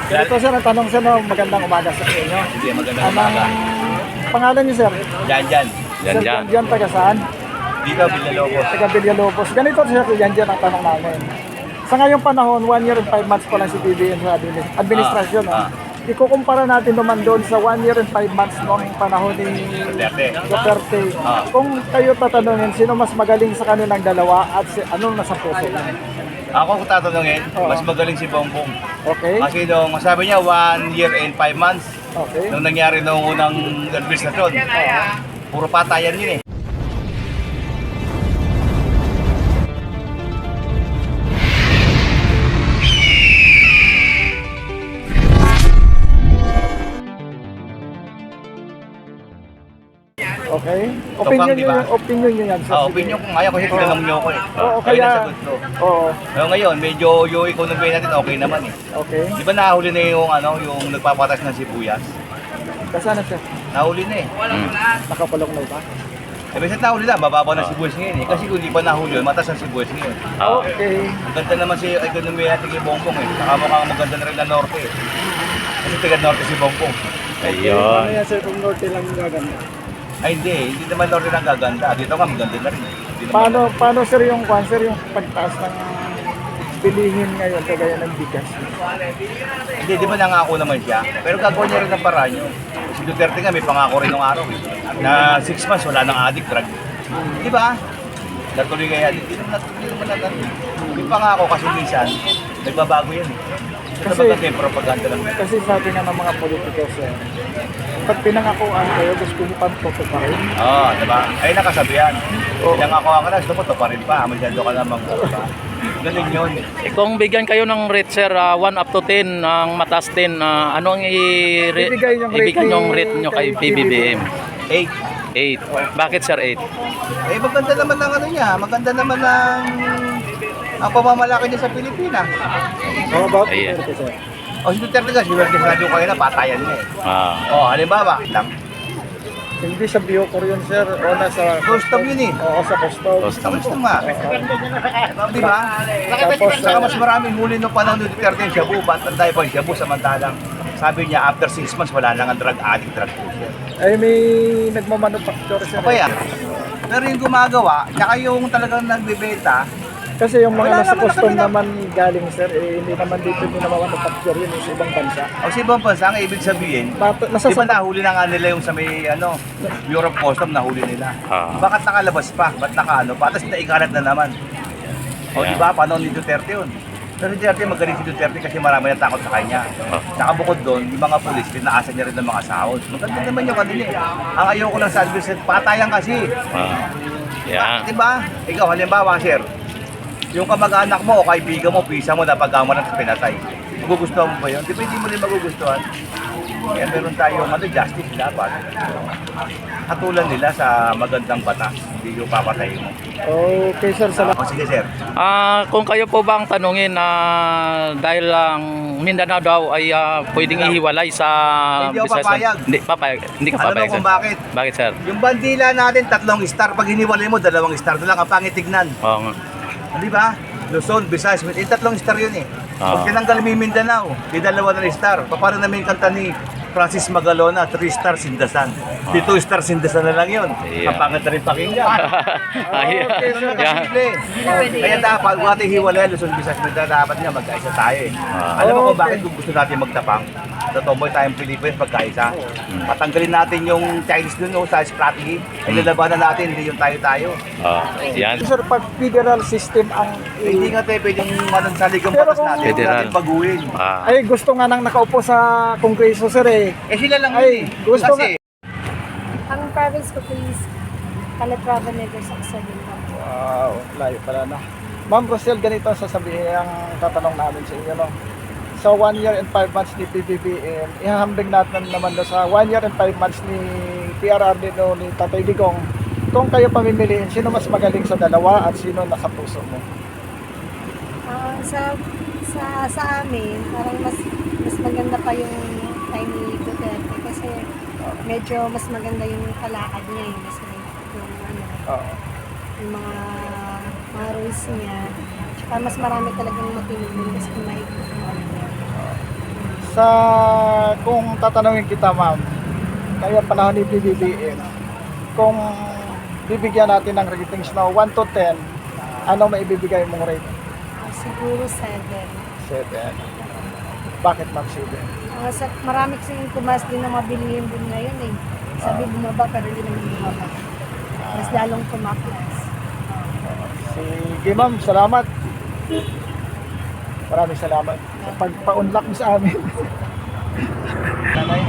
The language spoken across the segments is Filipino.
Ito sir, ang tanong sir, no, magandang umaga sa inyo. Sige, magandang umaga. Pangalan niyo sir? Yan. Sir Janjan, taga saan? Dito, Villalobos. Taga Villalobos. Ganito sir, Janjan ang tanong namin. Sa ngayong panahon, 1 year and 5 months pa lang si PBBM sa administrasyon. Ikukumpara natin naman doon sa 1 year and 5 months noong panahon ni Duterte. Kung kayo tatanungin, sino mas magaling sa kanilang dalawa at anong nasa puso niya? Ako kung tatanungin, mas magaling si Bongbong. Okay. Kasi nung masabi niya 1 year and 5 months, Okay. nung nangyari nung unang administrasyon, puro patayan yun eh. Okay. Opinion Diba? opinion niyo yan. Opinion ko ngayon kasi tinanong niyo ako eh. Oo, Kaya kaya nasagot ko. Oo. Pero ngayon, medyo yung economy natin okay naman eh. Okay. Di ba nahuli na yung nagpapatas ng sibuyas? Kasana siya? Nahuli na eh. Nakapalong na ba? Eh, basta nahuli na, bababa ng sibuyas ngayon eh. Kasi kung di pa nahuli yun, matas ang sibuyas ngayon. Okay. Ang ganda naman si economy natin kay Bongbong eh. Saka mukhang maganda na rin na norte eh. Kasi taga norte si Bongbong. Ano Ayun. yan sir kung norte lang yung gaganda? Ay hindi naman norte ng gaganda. Dito nga maganda na rin eh. Hindi naman- Paano sir yung pagtaas ng bilihin ngayon kagaya ng bigas? Hindi, di ba nangako naman siya? Pero gagawa niya rin ng paraan yun. Si Duterte nga may pangako rin ng araw eh. Na 6 months wala nang addict drug. Di ba? Natuloy kaya, hindi naman natin. May pangako kasi minsan, nagbabago yan eh. Kasi maganda yung propaganda lang. Kasi sabi nga ng mga politikos pag pinangakuan kayo, gusto mo pang tutuparin. Oo, di ba? Ay nakasabihan. Pinangako ka na, gusto mo to pa rin pa. Masyado ka namang pa. Ganun yun. Kung bigyan kayo ng rate sir, 1 up to 10, ang mataas 10, ano ang ibigay yung rate nyo kay PBBM? 8. 8. Bakit sir 8? Eh maganda naman ng ano niya. Maganda naman ng ang pamamalaki niya sa Pilipinas. How about Ayan. Duterte, sir? O si Duterte kasi, kasi sabi ko kayo na patayan niya eh. O, halimbawa, lang. Hindi sa Biocor yun sir, o nasa Custom yun eh. Oo, sa custom. Gusto nga. Di ba? Tapos, Saka mas maraming huli nung panahon ni Duterte yung Shabu. Ba't tayo pa yung Shabu samantalang sabi niya after 6 months wala nang ang drug addict, drug pusher. ay may nagmamanufacture sir. Ano yan? Pero yung gumagawa, tsaka yung talagang nagbebenta, Kasi yung mga Wala nasa naman custom kami na- naman galing sir, hindi naman dito hindi naman manufacture yun sa ibang bansa. o sa ibang bansa, ang ibig sabihin, Nasa di ba nahuli na nga nila yung sa may Europe Custom, nahuli nila. Bakit nakalabas pa? Ba't nakaano pa? Tapos naikalat na naman. O di ba? Paano ni Duterte yun? Pero si Duterte, magaling si Duterte kasi marami na takot sa kanya. Saka bukod doon, yung mga pulis, pinaasan niya rin ng mga sahod. Maganda naman yung kanila eh. Ang ayaw ko lang sa adversary, patayan kasi. Yan. Di ba? Ikaw, halimbawa, sir, yung kamag-anak mo o kaibigan mo, pisa mo, napagawa ng pinatay. Magugustuhan mo ba yun? Di ba hindi mo rin magugustuhan? Kaya meron tayong justice dapat. Hatulan nila sa magandang batas. Hindi yung papatayin mo. Okay sir, salamat. O sige, sir. Kung kayo po ba ang tanungin na dahil ang Mindanao daw ay pwedeng ihiwalay sa Hindi ako Visayas- papayag. Hindi papayag. Hindi ka Alam mo papayag. kung sir. bakit? Bakit sir? Yung bandila natin, 3 star. Pag hiniwalay mo, 2 star na lang. Ang pangit tignan. Oo nga. Di ba? Luzon, Visayas, 3 star yun eh. Pag Ah. tinanggal mo yung Mindanao, di 2 na star. Paano namin yung kanta ni Francis Magalona, 3 star Sindasan. Di 2 star Sindasan na lang yun. Yeah. Ang pangit na rin pakinggan. Ayan. Okay, so Yan. simple. Kaya dapat, kung ating hiwalay, Luzon, Visayas, Mindanao, dapat nga magkaisa tayo eh. Ah. Alam mo kung bakit gusto natin magtapang? Totoboy tayong Pilipinas magkaisa. Patanggalin natin yung Chinese dun sa strategy. Ay lalabanan natin, hindi yung tayo-tayo. Yan. Sir, pag federal system ang Hindi nga tayo pwedeng manansalig ang Pero batas kung- natin. Huwag Federal. natin baguhin. ay gusto nga nang nakaupo sa kongreso sir eh. Eh sila lang Ay, yun eh. gusto Kasi, Ang province ko please, Calatrava, Negros, Occidental. Wow, layo pala na. Ma'am Rosel, ganito ang sasabihin ang tatanong namin sa inyo, no? Sa 1 year and 5 months ni PBBM, ihahambing natin naman doon sa 1 year and 5 months ni PRRD no, ni Tatay Digong. Kung kayo pamimiliin, sino mas magaling sa dalawa at sino nasa puso mo? Sa amin, parang mas maganda pa yung time ni Duterte kasi medyo mas maganda yung kalakad niya eh. Mas yung Oo. yung mga rules niya. Tsaka mas marami talagang matinigin kasi may kung tatanungin kita ma'am, kaya panahon ni PBBM, kung bibigyan natin ng ratings na 1 to 10, ano maibibigay mong rate? Siguro 7. 7. Bakit ma'am 7? Marami kasing tumas din na mabilihin din ngayon eh. Sabi bumaba pero hindi naman bumaba. Mas lalong tumaklas. Sige ma'am, salamat. Maraming salamat sa pagpa-unlock mo sa amin. Nanay,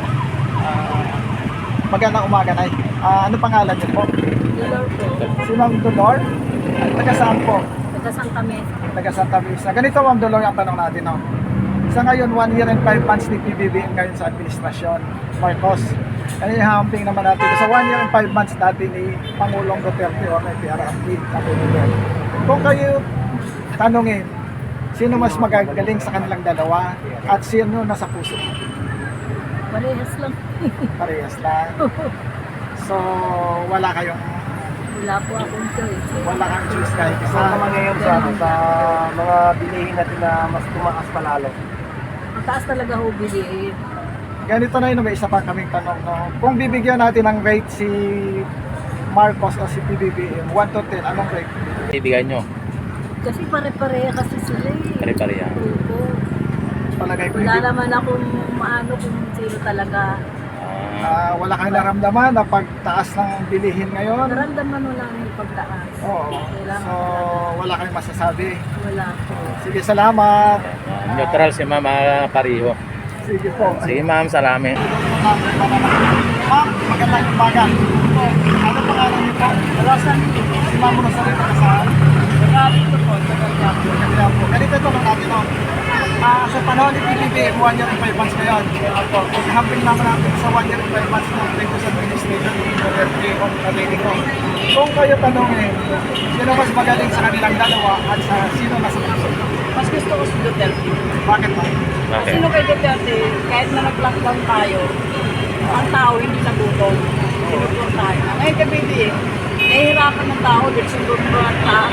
magandang umaga, Nay. Ano pangalan niyo po? Dolor po. Si Ma'am Dolor? Taga saan po? Taga Santa Mesa. Taga Santa Mesa. Ganito Ma'am Dolor ang tanong natin. No? Sa ngayon, 1 year and 5 months ni PBBM ngayon sa administrasyon, Marcos. Kaya hamping naman natin sa 1 year and 5 months natin ni Pangulong Duterte o may PRRD na PBBM. Kung kayo tanongin, sino mas magagaling sa kanilang dalawa at sino nasa puso? Parehas lang. Parehas lang. So, wala kayong Wala po akong choice. wala kang choice kahit isa. Ano naman ngayon sa mga bilihin natin na mas tumaas palalo? Ang taas talaga ho bilihin. Ganito na yun, may isa pa kaming tanong. No? Kung bibigyan natin ng rate si Marcos o si PBBM, 1 to 10, anong rate? Ibigay nyo. Kasi pare-pareha kasi sila eh. Pare-pareha. Opo. Palagay ko Wala hindi. naman akong maano kung sino talaga. Wala kang naramdaman na pagtaas ng bilihin ngayon. Naramdaman mo lang yung pagtaas. Oo. Kailangan So, wala kayong masasabi. Wala po. Sige, salamat. Neutral si Ma'am Pariho. Sige po. Sige Ma'am, salami. Ma'am, magandang umaga. Ano pangalan niyo po? Alasan, Si Ma'am Rosario Pagkasaan. dito po, sa Kalyapo. Kaya po, ganito ito lang natin. No? Sa panahon ni PBBM, 1 year and 5 months ngayon. Hamping naman natin sa 1 year and 5 months ng previous administration ni Duterte o Atletico. Kung kayo tanongin, sino mas magaling sa kanilang dalawa at sa sino nasa puso? Mas gusto ko si Duterte. Bakit ba? Okay. Sino kay Duterte, kahit na nag-lockdown tayo, ang tao hindi nagutom. Sinuturo tayo. Ngayon kay BBM, nahihirapan ng tao dahil sinuturo ang tao.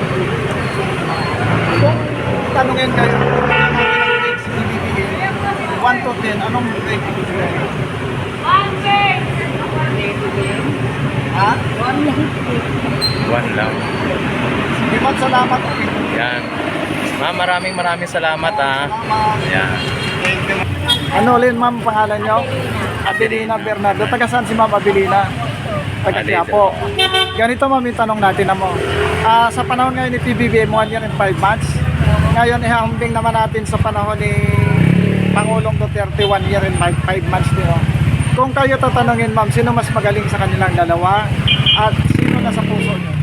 Kung tanongin kayo, kung natin ang rate si PBBM, 1 to 10, anong rate ibibigay? Ha? 1 lang. 1 lang. Sige ma'am, salamat. Yan. Ma'am, maraming salamat ha. Salamat. Yan. Ano ulit ma'am pangalan nyo? Abilina Bernardo. Taga saan si ma'am Abilina? Taga Quiapo. Ganito ma'am yung tanong natin na mo. Sa panahon ngayon ni PBBM 1 year and 5 months. Ngayon ihahambing naman natin sa panahon ni Pangulong Duterte 1 year and 5 months din. No? Kung kayo tatanungin ma'am, sino mas magaling sa kanilang dalawa at sino nasa puso nyo?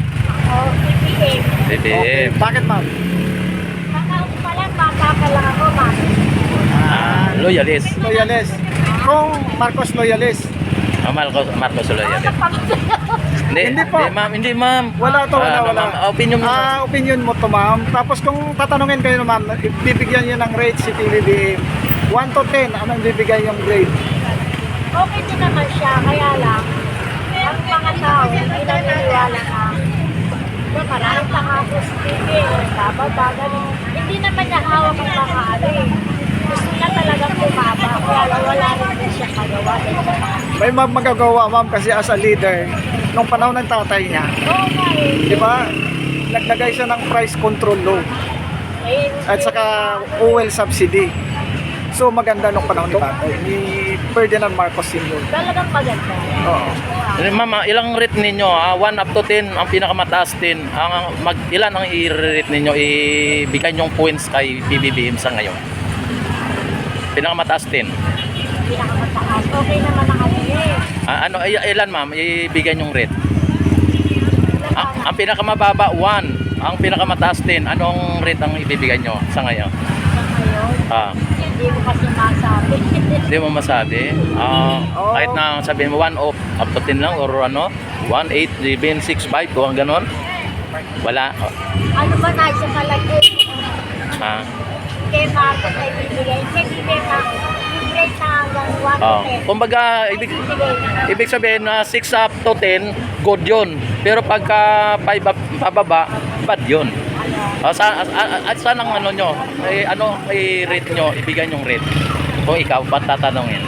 BBM. Bakit ma'am? Kakaupo pa lang, bata pa lang ako, ma'am. Loyalist. Loyalist. Kung Marcos loyalist. Marcos loyalist. Hindi po. Hindi ma'am. Wala to, wala, Ano, wala. ma'am? Opinion mo. Opinion mo to, ma'am. Tapos kung tatanungin kayo, ma'am, bibigyan niyo ng rate si PBBM. 1 to 10, anong bibigay yung grade? Okay din naman siya, kaya lang, ang mga tao, hindi naniniwala na maraming pangako sa TV, bababa, ganun. Hindi naman niya hawak ang mga ano eh. Gusto niya talagang bumaba, kaya lang wala rin din siya kagawa. May magagawa, ma'am, kasi as a leader, nung panahon ng tatay niya, Oo nga eh. di ba, naglagay siya ng price control law at saka fuel subsidy. So maganda nung panahon ni tatay, ni Ferdinand Marcos Sr. Talagang maganda. Oo. Ma'am, ilang rate ninyo? 1 up to 10, ang pinakamataas 10. Ilan ang i-rate ninyo? Ibigay nyong points kay PBBM sa ngayon. Pinakamataas 10. Pinakamataas. Okay naman ang ano eh. Ilan ma'am? Ibigay nyong rate. Ang pinakamababa 1. Ang pinakamataas 10. Anong rate ang ibibigay nyo sa ngayon? Sa ngayon, hindi ko kasi masabi. Hindi mo masabi. Kahit na sabihin mo 1 up to 10 lang or ano, 1, 8, 7, 6, 5 kung ganon. Wala. Ano ba na sa palagay? Kay Marcos ay bibigay. Kay bibigay na, bibigay na hanggang 1 to 10. Kumbaga, ibig sabihin na 6 up to 10, good yun. Pero pagka 5 up pababa, bad yun. Saan ang ano nyo? Ano i-rate nyo? Ibigay nyong rate. Kung ikaw pa tatanungin.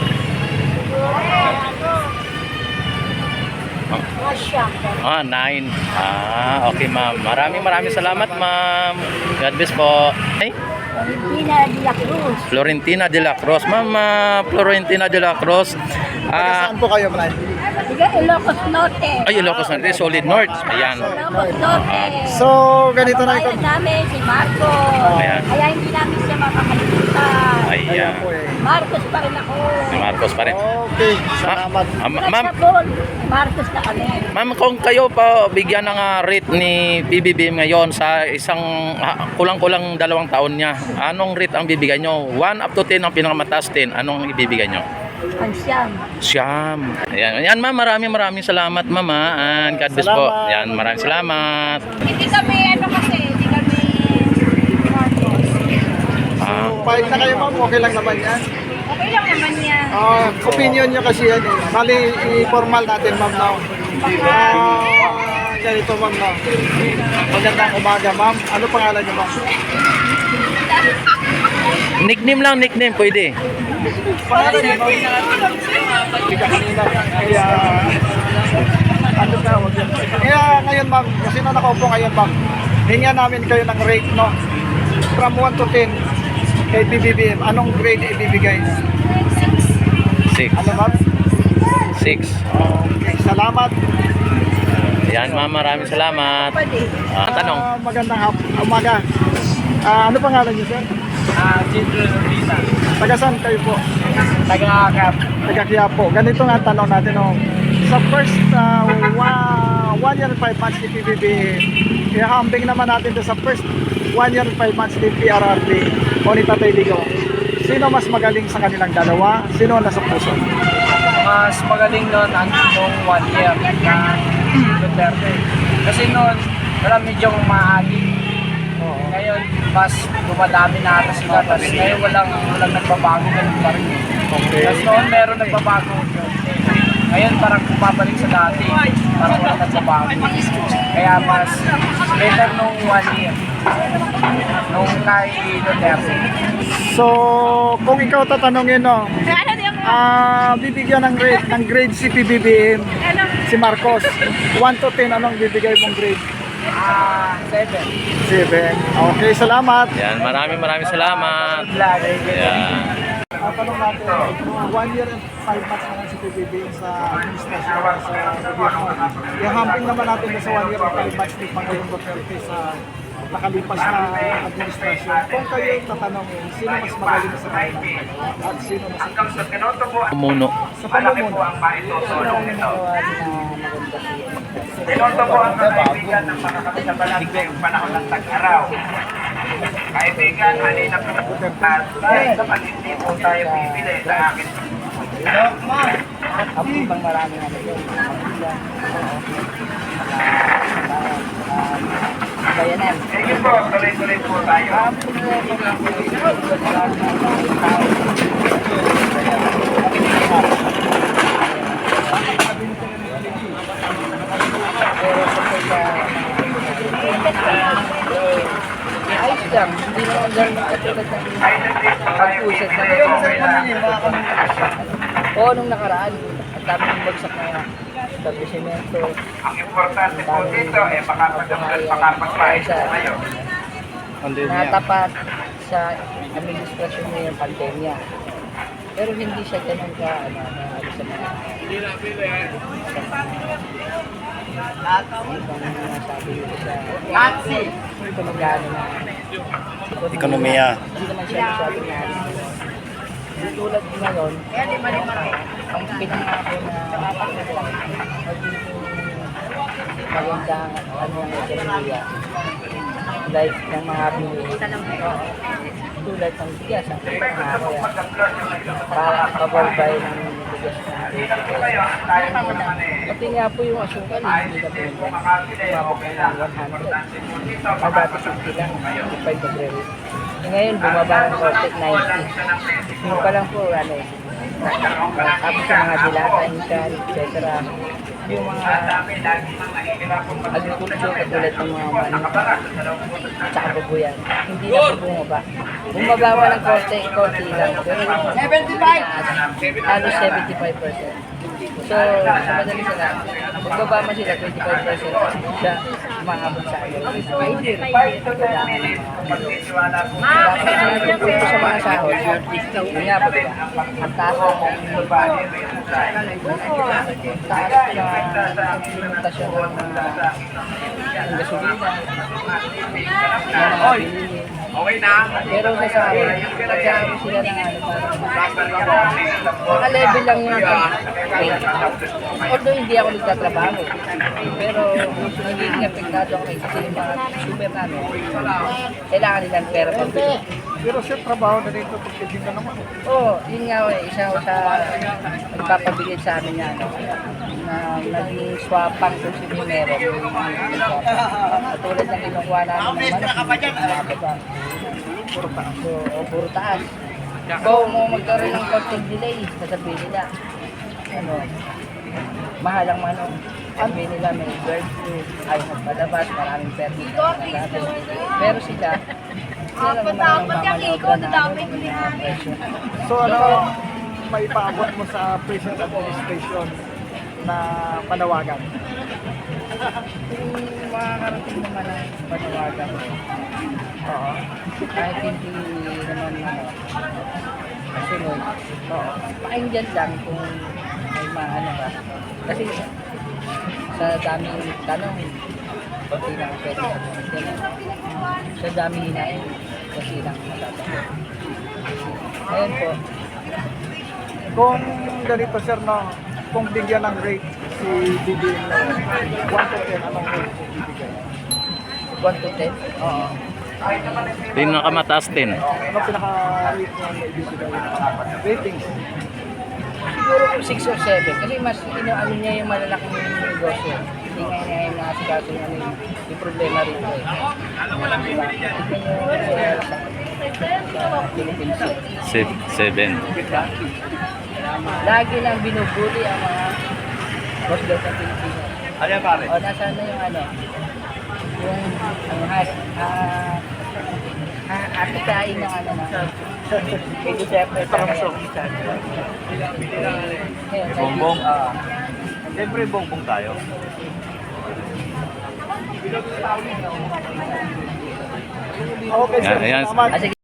Mga siya. 9. Okay ma'am. Maraming salamat ma'am. God bless po. Ay, Valentina de la Cruz. Florentina de la Cruz. Ma'am, Florentina de la Cruz. Saan po kayo, Brian? Tiga Ilocos Norte. Ay, Ilocos Norte, Solid North. Ayan. Ilocos Norte. So, ganito na ito. Kababayan namin si Marco. Ayan. Kaya hindi namin siya makakalimutan. Ayan. Ayan po eh. Marcos pa rin ako. Si Marcos pa rin. Okay, salamat. Ma'am, Marcos na kami. ma'am, kung kayo pa bigyan ng rate ni PBBM ngayon sa isang kulang-kulang 2 taon niya, anong rate ang bibigyan nyo? 1 up to 10 ang pinakamataas 10, anong ibibigay nyo? Ang siyam. Siyam. Ayan ma'am, maraming salamat ma'am and God bless po. Salamat. Ayan, maraming salamat. Hindi kami kasi, hindi kami Marcos. Pahit na kayo, ma'am. Okay lang naman yan. Okay lang naman yan. Opinion nyo kasi yan eh. Bali, i-formal natin, ma'am, now. Ganito, ma'am, now. Magandang umaga, ma'am. Ano pangalan nyo, ma'am? Nickname pwede. Pangalan nyo, ma'am? Hindi ka kanina. Kaya, ano tawag yan? Kaya ngayon, ma'am, kasi na nakaupo ngayon, ma'am, hinga namin kayo ng rate, no? From 1 to 10, kay PBBM, anong grade ibibigay? 6. Ano, ma'am? 6. Okay, salamat. Ayan ma'am, maraming salamat. Tanong. Magandang umaga. Ano pangalan niyo, sir? Children Rita. Taga saan kayo po? Taga-akap. Taga Quiapo. Ganito nga ang tanong natin. Oh. Sa first 1 year and 5 months ni PBB, ihahambing naman natin sa first 1 year and 5 months ni PRRD o ni Tatay Ligo. Sino mas magaling sa kanilang dalawa? Sino ang nasa puso? Mas magaling nun nung 1 year na Duterte. Kasi noon, wala medyong maagi. Ngayon, mas dumadami na ata sila. Tapos ngayon walang nagbabago, ganun pa rin. Tapos noon meron nagbabago. Ngayon parang bumabalik sa dati. Parang walang nagbabago. Kaya mas better nung 1 year. Nung kay Duterte. So, kung ikaw tatanungin, no, bibigyan ng grade si PBBM, si Marcos. 1 to 10, anong bibigay mong grade? 7. 7. Okay, salamat. Ayan, maraming salamat. Ayan. Tanong natin, 1 year and 5 months na lang si PBBM sa administrasyon sa gobyerno. Ihambing naman natin sa 1 year and 5 months ni Pangulong Duterte sa nakalipas na administrasyon. Kung kayo tatanungin, sino mas magaling sa kanila at sino mas Umuno. sa pamumuno? Inoto po ang kaibigan ng mga kapitabalag ngayong panahon ng tag-araw. Kaibigan, halina po at dahil kapatid din po tayo pipili sa akin. Abang marami na yun. Bayanan. Sige po, tuloy-tuloy po tayo. Ayos lang. Hindi naman ganun katulad ng pag-usap na Oo, nung nakaraan, ang dami ng bagsak na establishmento. Ang importante po dito ay makapagpaayos po kayo. Natapat sa administrasyon niya yung pandemya. Pero hindi siya ganun ka, sa mga sabi ko sa Nazi! Ito magano na. Ekonomiya. Hindi naman siya masyadong narin. Tulad ngayon, ang pinangako na magiging magandang ano ang ekonomiya. Like ng mga binili. Tulad ng bigas, ang pinangako yan. Para kabarbay ng bigas ng pati nga po yung asukal, hindi na po yun. Tumabok na ng 100. Dati 50 lang, 55 nagre-rate. Ngayon, bumaba ng konti, 90. Yung pa lang po, ano eh. Tapos sa mga dilata, insan, etc. yung mga agriculture katulad ng mga manok tsaka babuyan, hindi na po bumaba. Bumaba pa ng konti lang, pero yung halos 75%. So, sa madali sila, magbaba man sila 25% siya umaabot sa akin. Dapat sa mga sahod, yun nga ba, ang taas na implementasyon ng gasolina, okay na. Pero sa sahod, nagkakaroon sila ng naka-level lang yun. Although hindi ako nagtatrabaho, pero nagiging apektado ako kasi yung mga super namin, kailangan nilang pera pambili. Pero siya, trabaho na rin ito, pagkitin ka naman. Oo, yun nga isa ako sa nagpapabigay sa amin na na naging swapang kung sino yung meron. Katulad ng kinukuha namin ng mga baba. Puro taas. Kung mo magkaroon ng konting delay, sasabihin nila, mahal ang manok. Sabihin nila may bird flu, ayaw magpalabas, maraming permit. Pero sila lang naman ang mamanoodra na presyo. So ano, may paabot mo sa Prison Administration na panawagan? Kung makakarating naman ang panawagan, Oo. kahit hindi naman kasunod, pakinggan lang kung may maano ba. Kasi sa daming tanong, konti lang ang pwede sabihin. Sa daming hinain, kasi lang masasagot. Ngayon po, Kung ganito sir, no, kung bigyan ng rate si BBM na 1 to 10, anong rate po bibigyan? 1 to 10, Oo. Pinakamataas 10. Ano pinaka-rate niya na ibibigay? Ratings. siguro kung 6 or 7, kasi mas inaano niya yung malalaking negosyo. Hindi nga inahin na si kaso niya yung problema rito eh. Diba? Tignan nyo sa Philippines. 7. Lagi nang binubuli ang mga boss daw sa Pilipinas. Ano yan pare? O, nasaan na yung atikain ng may Duterte sa kaya. Bongbong. Siyempre bongbong tayo. Okay sir, Ayan. salamat. Sige.